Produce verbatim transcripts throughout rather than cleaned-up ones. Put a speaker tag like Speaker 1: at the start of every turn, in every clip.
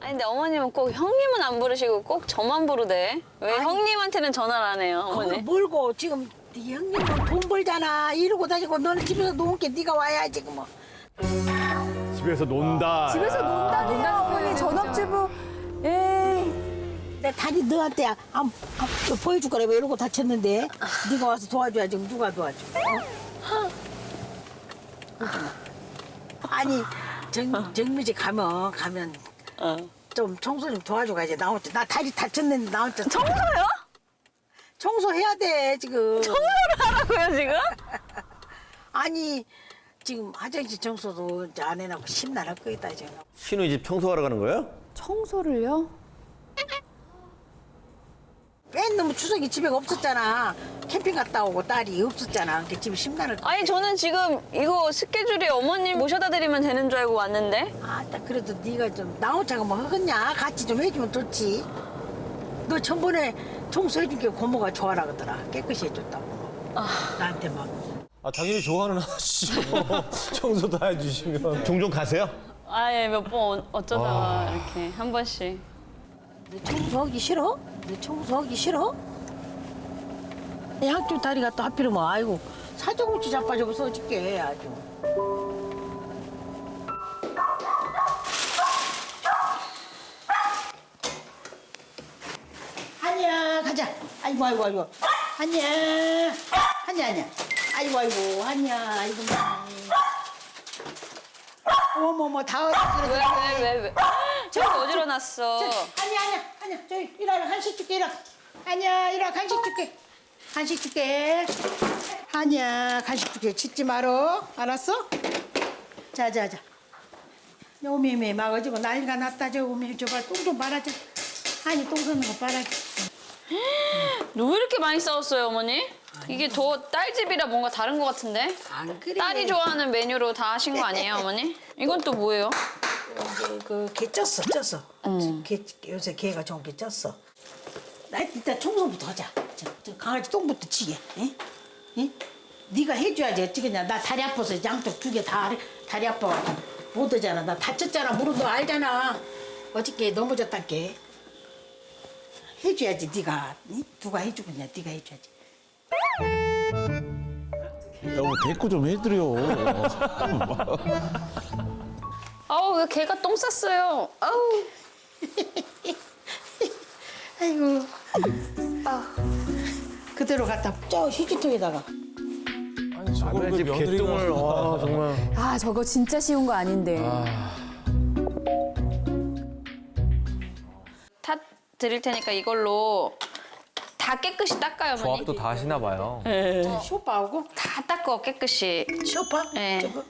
Speaker 1: 아니 근데 어머님은 꼭 형님은 안 부르시고 꼭 저만 부르대. 왜
Speaker 2: 아니.
Speaker 1: 형님한테는 전화를 안 해요,
Speaker 2: 그걸
Speaker 1: 어머니?
Speaker 2: 몰고 지금 네 형님은 돈 벌잖아. 이러고 다니고 너는 집에서 놓은 게 네가 와야지 그 뭐.
Speaker 3: 집에서 논다.
Speaker 4: 집에서 논다니요 어머니 전업주부. 에이.
Speaker 2: 내 다리 너한테 안, 안, 보여줄 거라 왜 이러고 다쳤는데 네가 와서 도와줘야지 누가 도와줘? 어? 그러지 마. 아니 정 정미지 가면 가면
Speaker 1: 어.
Speaker 2: 좀 청소 좀 도와줘 가야지. 나 혼자 나 다리 다쳤는데 나 혼자
Speaker 1: 청소요?
Speaker 2: 청소해야 돼 지금.
Speaker 1: 청소를 하라고요, 지금?
Speaker 2: 아니 지금 화장실 청소도 이제 안 해놓고 심란할 거다 지금.
Speaker 3: 신우이 집 청소하러 가는 거예요?
Speaker 4: 청소를요?
Speaker 2: 맨 놈의 추석이 집에 없었잖아. 캠핑 갔다 오고 딸이 없었잖아. 그러니까 집에 심란할 거.
Speaker 1: 아니 저는 지금 이거 스케줄이 어머님 모셔다 드리면 되는 줄 알고 왔는데.
Speaker 2: 아, 딱 그래도 네가 좀 나 혼자가 뭐 하겠냐? 같이 좀 해주면 좋지. 너 전번에 청소해준 게 고모가 좋아라 그러더라. 깨끗이 해줬다고. 나한테 막.
Speaker 5: 아 당연히 좋아하는 아저씨죠. 청소 다 해주시면.
Speaker 3: 종종 가세요?
Speaker 1: 아예 몇 번 어쩌다가 이렇게 한 번씩.
Speaker 2: 너 청소하기 싫어? 너 청소하기 싫어? 양쪽 다리가 또 하필이면 아이고 사정없이 자빠지고 써줄게 아주. 한이야 가자. 아이고 아이고 아이고. 한이야. 한이야 한이야. 아이고 아이고 한이야 아이고. 어머머 다
Speaker 1: 왜
Speaker 2: 어지러워.
Speaker 1: 왜 왜 왜? 저기 어지러놨어.
Speaker 2: 아니야 아니야 아니야 저기 일어나 간식 줄게 일어나. 아니야 일어나 간식 줄게. 간식 줄게. 아니야 간식 줄게. 짖지 말어. 알았어? 자자자. 오메메 막 어지고 난리가 났다. 저 오메 저봐 똥 좀 빨아줘. 아니 똥 쏘는 거 빨아줘.
Speaker 1: 왜 이렇게 많이 싸웠어요, 어머니? 이게 더 딸 집이라 뭔가 다른 것 같은데?
Speaker 2: 안 그래.
Speaker 1: 딸이 좋아하는 메뉴로 다 하신 거 아니에요, 어머니? 이건 또 뭐예요?
Speaker 2: 그개 쪘어 쪘어. 개, 요새 개가 좋은 게 쪘어. 나 일단 청소부터 하자. 저, 저 강아지 똥부터 치게. 에? 에? 네가 해줘야지 어찌겠냐. 나 다리 아파서 양쪽 두 개 다 다리 아파. 못 오잖아. 나 다쳤잖아. 무릎 너 알잖아. 어저께 넘어졌단게. 해줘야지 네가. 에? 누가 해주겠냐. 네가 해줘야지.
Speaker 5: 여보 대꾸 좀 해드려.
Speaker 1: 아우, 왜 개가 똥 쌌어요? 아우.
Speaker 2: 아이고. 아. 그대로 갖다 저 휴지통에다가.
Speaker 5: 아니 저걸
Speaker 3: 남의
Speaker 5: 왜
Speaker 3: 집
Speaker 5: 며느리가.
Speaker 3: 개똥을 와 정말.
Speaker 4: 아 저거 진짜 쉬운 거 아닌데.
Speaker 1: 다 드릴 테니까 이걸로 다 깨끗이 닦아요, 어머니.
Speaker 6: 조합도 다 하시나 봐요.
Speaker 2: 저 쇼파하고
Speaker 1: 다 닦어, 깨끗이.
Speaker 2: 쇼파?
Speaker 1: 네.
Speaker 2: 저거.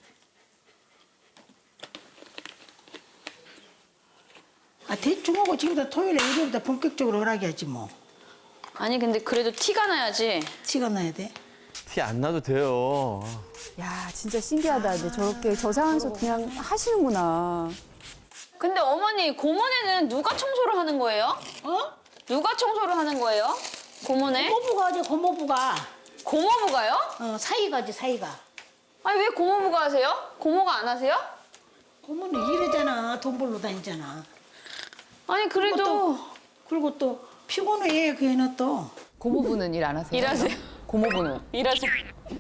Speaker 2: 아 대충 하고 지금부터 토요일에 일요일부터 본격적으로 허락해야지 뭐.
Speaker 1: 아니, 근데 그래도 티가 나야지.
Speaker 2: 티가 나야 돼.
Speaker 3: 티 안 나도 돼요.
Speaker 4: 야 진짜 신기하다. 근데 저렇게 저 상황에서 그냥 하시는구나.
Speaker 1: 근데 어머니, 고모네는 누가 청소를 하는 거예요?
Speaker 2: 어?
Speaker 1: 누가 청소를 하는 거예요? 고모네?
Speaker 2: 고모부가 하지 고모부가.
Speaker 1: 고모부가요?
Speaker 2: 어 사이가 하지 사이가.
Speaker 1: 아니, 왜 고모부가 하세요? 고모가 안 하세요?
Speaker 2: 고모는 일하잖아. 돈 벌러 다니잖아.
Speaker 1: 아니, 그래도
Speaker 2: 또, 그리고 또 피곤해 그 애는 또.
Speaker 7: 고모부는 일 안 하세요?
Speaker 1: 일하세요.
Speaker 7: 고모부는?
Speaker 1: 일하세요.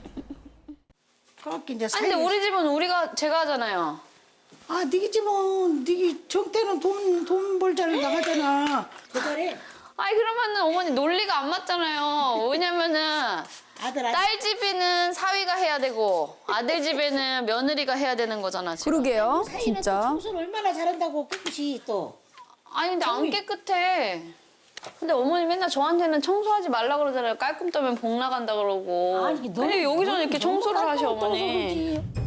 Speaker 2: 그렇게 이제
Speaker 1: 아니,
Speaker 2: 사이.
Speaker 1: 근데 우리 집은 우리가, 제가 하잖아요.
Speaker 2: 아 니네 집은 니네 정때는 돈 돈 벌자를 나가잖아. 그래.
Speaker 1: 아니, 그러면은 어머니 논리가 안 맞잖아요. 왜냐면은
Speaker 2: 아들 아들.
Speaker 1: 딸 집에는 사위가 해야 되고 아들 집에는 며느리가 해야 되는 거잖아, 지금.
Speaker 4: 그러게요.
Speaker 2: 사이는 또
Speaker 4: 진짜.
Speaker 2: 청소를 얼마나 잘한다고 깨끗이 또.
Speaker 1: 아니, 근데 안 깨끗해. 근데 어머니 맨날 저한테는 청소하지 말라 그러잖아요. 깔끔 떠면 복 나간다 그러고.
Speaker 2: 아니, 너-
Speaker 1: 근데 여기서는
Speaker 2: 너는
Speaker 1: 이렇게
Speaker 2: 너무
Speaker 1: 청소를 하셔,
Speaker 2: 깔끔 떠서
Speaker 1: 어머니.
Speaker 2: 그러지.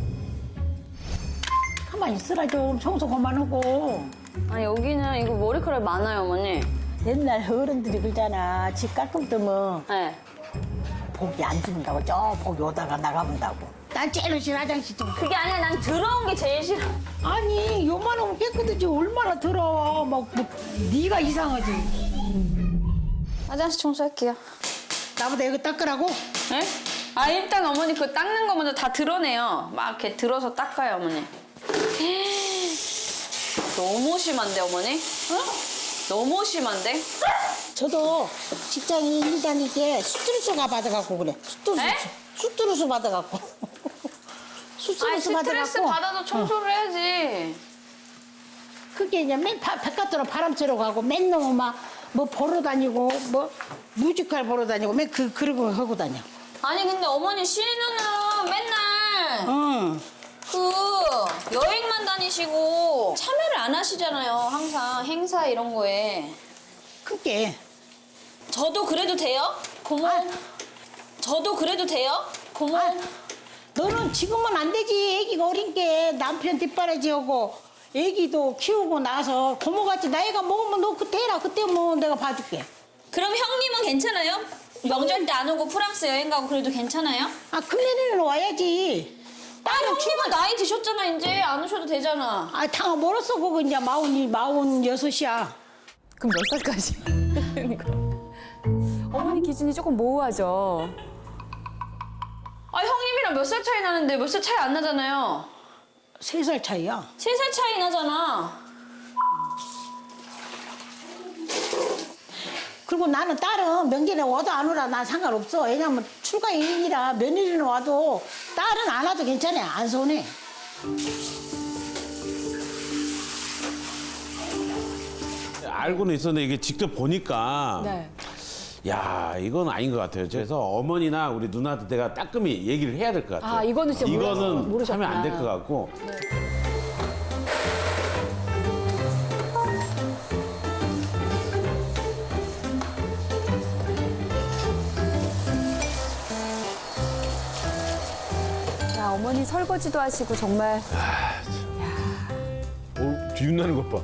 Speaker 2: 가만히 있으라 좀 청소 그만하고.
Speaker 1: 아니, 여기는 이거 머리카락 많아요, 어머니.
Speaker 2: 옛날 어른들이 그러잖아. 집 깔끔 뜨면
Speaker 1: 네.
Speaker 2: 복이 안 죽는다고. 저 복이 오다가 나가본다고. 난 제일 싫어 화장실 좀.
Speaker 1: 그게 아니라 난 더러운 게 제일 싫어.
Speaker 2: 아니 요만하면 깨끗하지 얼마나 더러워. 막 뭐, 네가 이상하지.
Speaker 1: 화장실 청소할게요.
Speaker 2: 나보다 이거 닦으라고?
Speaker 1: 네? 아, 일단 어머니 그 닦는 거 먼저 다 드러내요. 막 이렇게 들어서 닦아요, 어머니. 너무 심한데 어머니?
Speaker 2: 어?
Speaker 1: 너무 심한데?
Speaker 2: 저도 직장인 일 다니게 스트레스가 받아갖고 그래. 스트레스,
Speaker 1: 에?
Speaker 2: 스트레스 받아갖고.
Speaker 1: 아니
Speaker 2: 스트레스
Speaker 1: 스트레스
Speaker 2: 받아갖고.
Speaker 1: 받아도 청소를 해야지.
Speaker 2: 그게 이제 맨 바, 바깥으로 바람 쐬러 가고 맨 너무 막뭐 보러 다니고 뭐 뮤지컬 보러 다니고 맨 그 그러고 하고 다녀.
Speaker 1: 아니 근데 어머니 신우는 맨날
Speaker 2: 응.
Speaker 1: 그 여행만 다니시고 참여를 안 하시잖아요. 항상 행사 이런 거에.
Speaker 2: 그게
Speaker 1: 저도 그래도 돼요? 고모.
Speaker 2: 아.
Speaker 1: 저도 그래도 돼요? 고모.
Speaker 2: 아, 너는 지금은 안 되지. 애기가 어린 게 남편 뒷바라지하고 애기도 키우고 나서 고모같이 나이가 먹으면 너 그때 해라. 그때 뭐 내가 봐줄게.
Speaker 1: 그럼 형님은 괜찮아요? 명절 때 안 오고 프랑스 여행 가고 그래도 괜찮아요?
Speaker 2: 아 금년에는 와야지.
Speaker 1: 아 형님은 나이 드셨잖아 이제 안 오셔도 되잖아.
Speaker 2: 아 당아 멀었어 그거 이제 마흔이 마흔 여섯이야.
Speaker 7: 그럼 몇 살까지?
Speaker 4: 어머니 기준이 조금 모호하죠.
Speaker 1: 아 형님이랑 몇 살 차이 나는데 몇 살 차이 안 나잖아요.
Speaker 2: 세 살 차이야.
Speaker 1: 세 살 차이 나잖아.
Speaker 2: 그리고 나는 딸은 명절에 와도 안 오라 난 상관없어. 왜냐면 출가일이라 며느리는 와도 딸은 안 와도 괜찮아. 안 서운해.
Speaker 5: 알고는 있었는데 이게 직접 보니까
Speaker 4: 네.
Speaker 5: 야 이건 아닌 것 같아요. 그래서 어머니나 우리 누나한테 내가 따끔히 얘기를 해야 될 것 같아요.
Speaker 4: 아, 이거는 진짜 몰랐-
Speaker 5: 이거는
Speaker 4: 모르셨구나.
Speaker 5: 하면 안 될 것 같고.
Speaker 4: 야, 어머니 설거지도 하시고 정말
Speaker 3: 어, 뒤집나는 것 봐.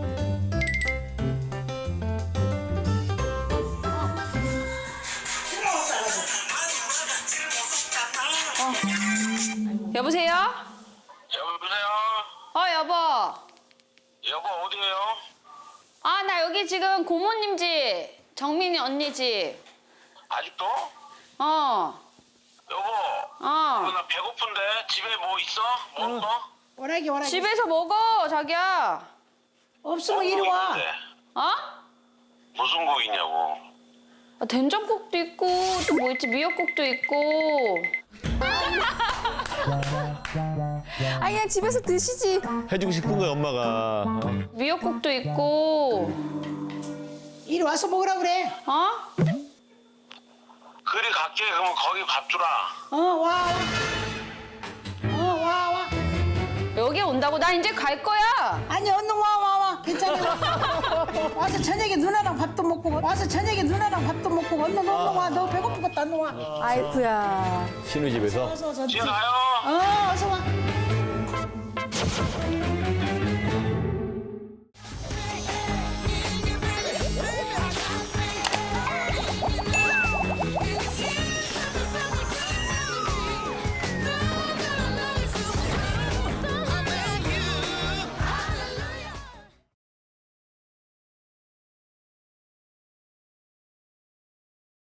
Speaker 1: 여보세요?
Speaker 6: 여보세요?
Speaker 1: 어 여보.
Speaker 6: 여보 어디에요?
Speaker 1: 아 나 여기 지금 고모님 집. 정민이 언니 집.
Speaker 6: 아직도?
Speaker 1: 어.
Speaker 6: 여보
Speaker 1: 어.
Speaker 6: 나 배고픈데 집에 뭐 있어? 뭐 없어?
Speaker 2: 오라기 오라기.
Speaker 1: 집에서 먹어 자기야.
Speaker 2: 없으면 이리 와.
Speaker 6: 있는데.
Speaker 1: 어?
Speaker 6: 무슨 곡 있냐고.
Speaker 1: 아, 된장국도 있고 또 뭐 있지 미역국도 있고.
Speaker 4: 아 그냥 집에서 드시지.
Speaker 3: 해주고 싶은 거야, 엄마가. 어?
Speaker 1: 미역국도 있고.
Speaker 2: 이리 와서 먹으라 그래.
Speaker 1: 어?
Speaker 6: 그리 갈게. 그러면 거기 밥 주라.
Speaker 2: 어 와. 와. 어 와 와.
Speaker 1: 여기 온다고 나 이제 갈 거야.
Speaker 2: 아니 얼른 와 와 와. 괜찮아. 와서 저녁에 누나랑 밥도 먹고 와서 저녁에 누나랑 밥도 먹고 얼른 얼른 와. 너 배고프겠다 얼른 와.
Speaker 4: 아이쿠야.
Speaker 3: 신우 집에서.
Speaker 2: 어서 어서.
Speaker 6: 집에 가요.
Speaker 2: 어 어서 와.